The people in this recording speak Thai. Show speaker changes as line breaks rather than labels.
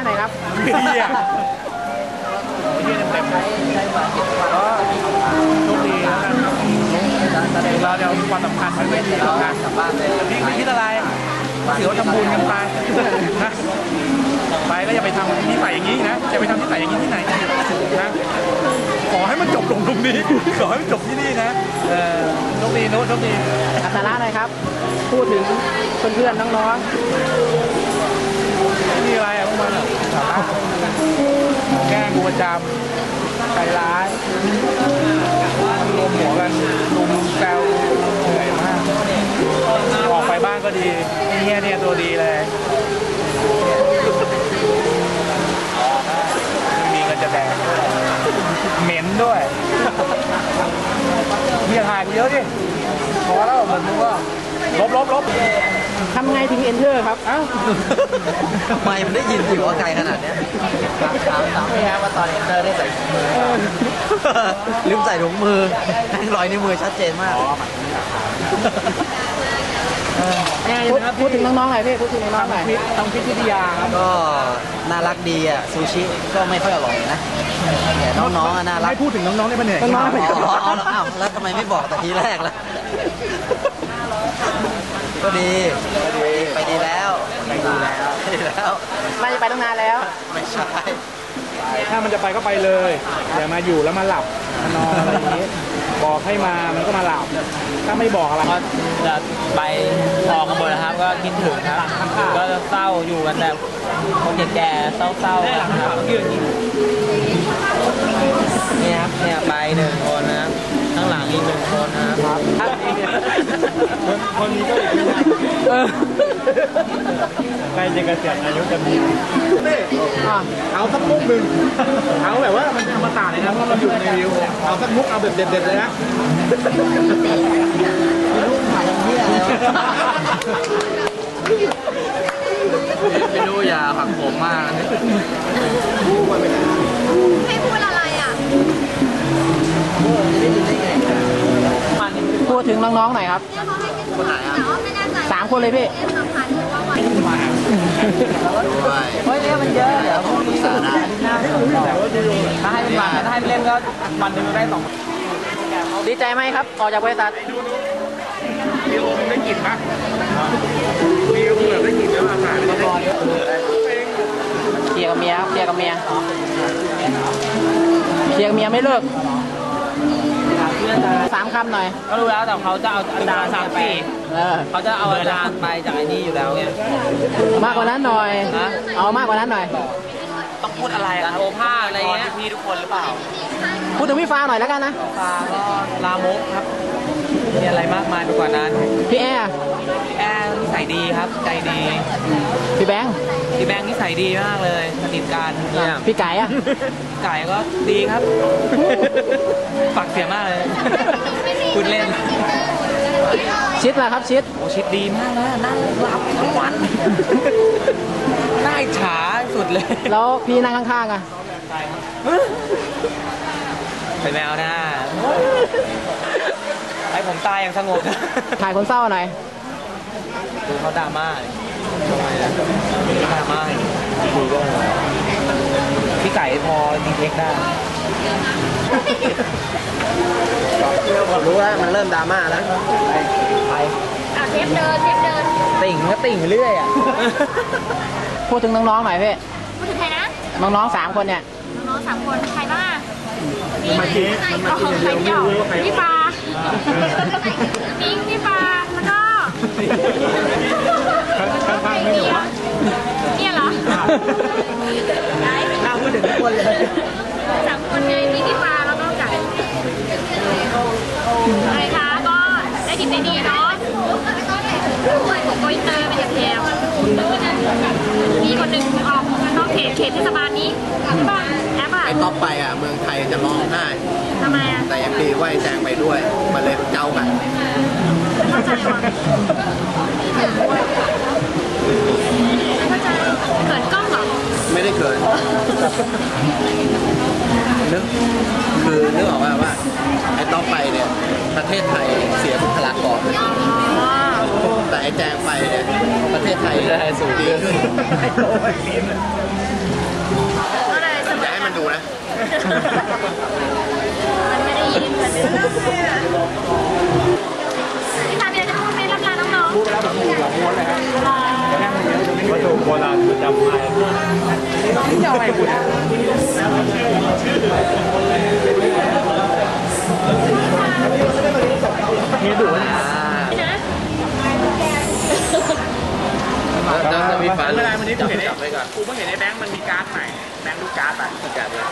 หน่อยครับ
เฮียเต็มๆก็โชคดีแล้วกันเราเดี๋ยวความสำคัญมันไม่ดีแล้วนะพี่ไม่คิดอะไรถือว่าทำบุญกันไปนะไปก็อย่าไปทำนิสัยอย่างนี้นะอย่าไปทำนิสัยอย่างนี้ที่ไหนนะขอให้มันจบลงตรงนี้ขอให้มันจบที่นี่นะโชคดีโน้ตโชคดี
อัตราหน่อยครับพูดถึงเพื่อนๆน้อง
ๆนี่อะไรอ่ะพวกมันแกล้งกูประจำใจร้ายรวมหัวกันลุมแซวเหนื่อยมากออกไปบ้านก็ดีเนี่ยตัวดีเลยมีเงินจะแดงเหม็นด้วยมีถ่ายกูเยอะดิพอแล้วเหมือนมึงก็ลบ
ทำไงถึง enter ครับเอ้า
ไม่มันได้ยินอยู่ว่าไกลขนาดนี้ถามไม่ฮะว่าตอน enter ได้ใส่ถุงมือลืมใส่ถุงมือรอยนิ้วมือชัดเจนมาก
พูดถึงน้องๆหน่อยพี่พูดถึงน้องๆหน่อย
ต้องพิจิตรครับ
ก็น่ารักดีอ่ะซูชิก็ไม่ค่อยอร่อยนะแต่น้องๆน่ารัก
ไม่พูดถึงน้องๆได้ปะเนี่ย
น้องๆ
แล้วทำไมไม่บอกแต่ทีแรกล่ะก็ดีไปดีแล้ว
ไม่จะไปตั้งนานแล้ว
ไม่ใช่
ถ้ามันจะไปก็ไปเลยอย่ามาอยู่แล้วมาหลับมานอนอะไรอย่างนี้บอกให้มามันก็มาหลับถ้าไม่บอกอะไร
ก็จะไปออกกันหมดนะครับก็คิดถึงครับก็จะเศร้าอยู่กันแบบคนแก่ๆเศร้าๆนะครับนี่ครับเนี่ยไป1 คนนะครับข้างหลังอีก1 คนนะครับ
คนนี้ก็อีกใกล้จะเกษียณอายุจะมีเอาสักมุกหนึ่งเอาแบบว่ามันธรรมศาสตร์เลยนะเพราะเราอยู่ในวิวเอาสักมุกเอาแบบเด็ดๆเลยนะ
ไม่รู้ถ่ายอย่างนี้อะไรไม่รู้อย่าผักผมมาก
ให้พูดอะไรอ่ะ
พูดถึงน้องๆหน่อยครับ
คนไหนอ่ะ
3 คนเลยพี่
เฮ้ยเนี่ยมันเยอะเดี๋ยวพรุ่งนี้ถ้าให้เป็นวันถ้าให้เล่นก็วันหนึ่งได้2
ดีใจไหมครับออกจากบริษัท
มีลมได้กลิ่นปะมีลมแบบได้กลิ่นแล้วอาหาร
เคลียร์กับเมียไม่เลิก3 คำหน่อย
ก็รู้แล้วแต่เขาจะเอาอาจารย์เขาจะเอาอาจารย์ไปจากไอ้นี่อยู่แล้วไง
มากกว่านั้นหน่อยเอามากกว่านั้นหน่อย
ต้องพูดอะไรครับโอภาสอะไรเงี้ยพี่ทุกคนหรือเปล่า
พูดถึงพี่ฟ้าหน่อยแล้วกันนะ
ฟ้าก็ลามกครับมีอะไรมากมายไปกว่านั้น
พี่แอร์
นิสัยดีครับใจดี
พี่แบงค์
นิสัยดีมากเลยสนิทกันเนี่ย
พี่ไก่อะ
ไก่ก็ดีครับฝากเสียมากเลยคุณเล่น
ชิดล่ะครับชิด
โอ้ชิดดีมากนะนั่งรับทั้งวันน่าอิจฉาสุดเลย
แล้วพี่นั่งข้างๆอะ
เป็นแมวนะให้ผมตายอย่างสงบ
ถ่ายคนเศร้าหน่อย
ดูเขาดราม่าคุยก็พี่ไก่พอดีเทคได้
ผมรู้แล้วมันเริ่มดราม่าแล้ว
ไปเทปเดิน
ติ่งก็ติ่งเรื่อยอ่ะ
พูดถึงน้องๆหน่อยพี่
พูดถึงใครนะ
น้องๆ3 คนเนี่ย
น้อง3 คนใครบ้างใครเดี่ยวพี่ปาพี่ปาแล้วก็เนี่ยเหรอ
น่าพูดถึงทุกคนเลย
3 คนไงมีพี่ปาแล้วก็ไก่อะไรคะก็ได้กินได้ดีเนาะโกอินเตอร์เป็นแถวมีคนหนึ่งออกนอกเขตเทศบาลนี้บ้านแอปอ่ะ
ไอ้ต๊อปไปอ่ะเมืองไทยจะร้องไห้
ทำไมอ่ะ
แต่ยังดีว่าแจงไปด้วยมาเลยเจ้ากัน
เข้าใจว่ะเข้าใจเขินกล้องเหรอ
ไม่ได้เขินนึกออกว่าไอ้ต๊อปไปเนี่ยประเทศไทยเสียบุคลากรแต่ไอ้แจงไปเนี่ยประเทศไทยสูงขึ้นนะ
มันไม่ได้ยินมันไม่ได้ยินพี่ตาเบียร์จะพูดไหมรับลาน้องๆ
พูดไปแล้วแบบหัวม้วนเลยครับ
วัตถุโบราณประจำไทย
นี่จะเอาอะไรคุณ
มีดุนะ
จะมีฝา
ไม่ได้วันนี้กูเห็นไอ้แบงค์มันมีการ์ดใหม่แบงค์ดูการ์ดไป